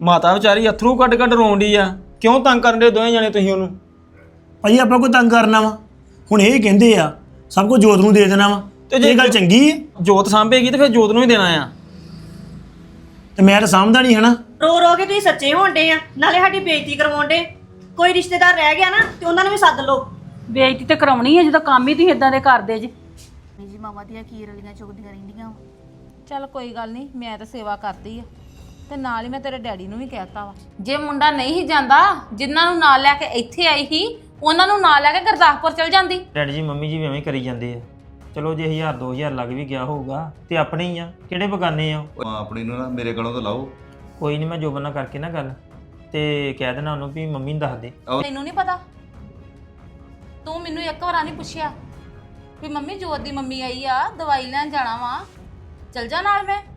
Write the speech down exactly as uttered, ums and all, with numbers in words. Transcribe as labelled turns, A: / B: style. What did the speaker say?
A: ਮਾਤਾ ਵਿਚਾਰੀ ਅਥਰੂ ਕੱਢ ਕੱਢ ਰੋਂਦੀ ਆ। ਕਿਉਂ ਤੰਗ ਕਰਨ ਦੇ ਦੋਵੇਂ ਜਣੇ ਤੁਸੀਂ ਉਹਨੂੰ?
B: ਭਾਈ ਆਪਾਂ ਕੋਈ ਤੰਗ ਕਰਨਾ ਵਾ? ਹੁਣ ਇਹ ਕਹਿੰਦੇ ਆ ਸਭ ਕੁਝ ਜੋਤ ਨੂੰ ਦੇ ਦੇਣਾ ਵਾ, ਤੇ ਇਹ ਗੱਲ ਚੰਗੀ ਹੈ?
A: ਜੋਤ ਸਾਂਭੇਗੀ ਤੇ ਫਿਰ ਜੋਤ ਨੂੰ ਹੀ ਦੇਣਾ ਆ।
B: ਤੇ ਮੈਂ ਤਾਂ ਸਾਂਭਦਾ ਨਹੀਂ ਹਨਾ।
C: ਰੋ ਰੋ ਕੇ ਤੁਸੀਂ ਸੱਚੇ ਹੋਣ ਡੇ ਆ, ਨਾਲੇ ਸਾਡੀ ਬੇਇੱਜ਼ਤੀ ਕਰਵਾਉਣ ਡੇ। ਕੋਈ ਰਿਸ਼ਤੇਦਾਰ ਰਹਿ ਗਿਆ ਨਾ ਤੇ ਉਹਨਾਂ ਨੂੰ ਵੀ ਸੱਦ ਲਓ।
D: ਬੇਇੱਜ਼ਤੀ ਤੇ ਕਰਾਉਣੀ ਹੈ ਜਦੋਂ ਕੰਮ ਹੀ ਤੁਸੀਂ ਇਦਾਂ ਦੇ ਕਰਦੇ ਜੀ।
E: ਜੀ ਮਾਵਾਂ ਦੀਆਂ ਕੀ ਰਲੀਆਂ ਚੁਗਦੀਆਂ ਰਹਿੰਦੀਆਂ ਵਾ।
F: ਚੱਲ ਕੋਈ ਗੱਲ ਨਹੀਂ, ਮੈਂ ਤਾਂ ਸੇਵਾ ਕਰਦੀ ਆ ਤੇ ਨਾਲ ਹੀ ਮੈਂ ਤੇਰੇ ਡੈਡੀ ਨੂੰ ਵੀ ਕਹਿਤਾ ਵਾ। ਜੇ ਮੁੰਡਾ ਨਹੀਂ ਹੀ ਜਾਂਦਾ, ਜਿਨ੍ਹਾਂ ਨੂੰ ਨਾਲ ਲੈ ਕੇ ਇੱਥੇ ਆਈ ਸੀ ਉਹਨਾਂ ਨੂੰ ਨਾਲ ਲੈ ਕੇ ਗੁਰਦਾਸਪੁਰ ਚਲ ਜਾਂਦੀ।
A: ਡੈਡੀ ਜੀ ਮੰਮੀ ਜੀ ਵੀ ਐਵੇਂ ਹੀ ਕਰੀ ਜਾਂਦੇ ਆ। ਚਲੋ ਜੇ ਹਜ਼ਾਰ ਦੋ ਹਜ਼ਾਰ ਲੱਗ ਵੀ ਗਿਆ ਹੋਊਗਾ ਤੇ ਆਪਣੇ ਹੀ ਆ, ਕਿਹੜੇ ਬਗਾਨੇ ਆ।
G: ਮਾਂ ਆਪਣੀ ਨੂੰ ਨਾ ਮੇਰੇ ਕੋਲੋਂ ਤਾਂ ਲਾਓ।
A: ਕੋਈ ਨਹੀਂ, ਮੈਂ ਜੋਬਨ ਨਾਲ ਕਰਕੇ ਨਾ ਗੱਲ ਤੇ ਕਹਿ ਦੇਣਾ ਉਹਨੂੰ ਵੀ ਮੰਮੀ ਨੂੰ ਦੱਸ ਦੇ।
F: ਤੈਨੂੰ ਨਹੀਂ ਪਤਾ? ਤੂੰ ਮੈਨੂੰ ਇੱਕ ਵਾਰ ਨਹੀਂ ਪੁੱਛਿਆ ਵੀ ਮੰਮੀ ਜੋਤ ਦੀ ਮੰਮੀ ਆਈ ਆ, ਦਵਾਈ ਲੈਣ ਜਾਣਾ ਵਾ, ਚਲ ਜਾ ਨਾਲ ਮੈਂ।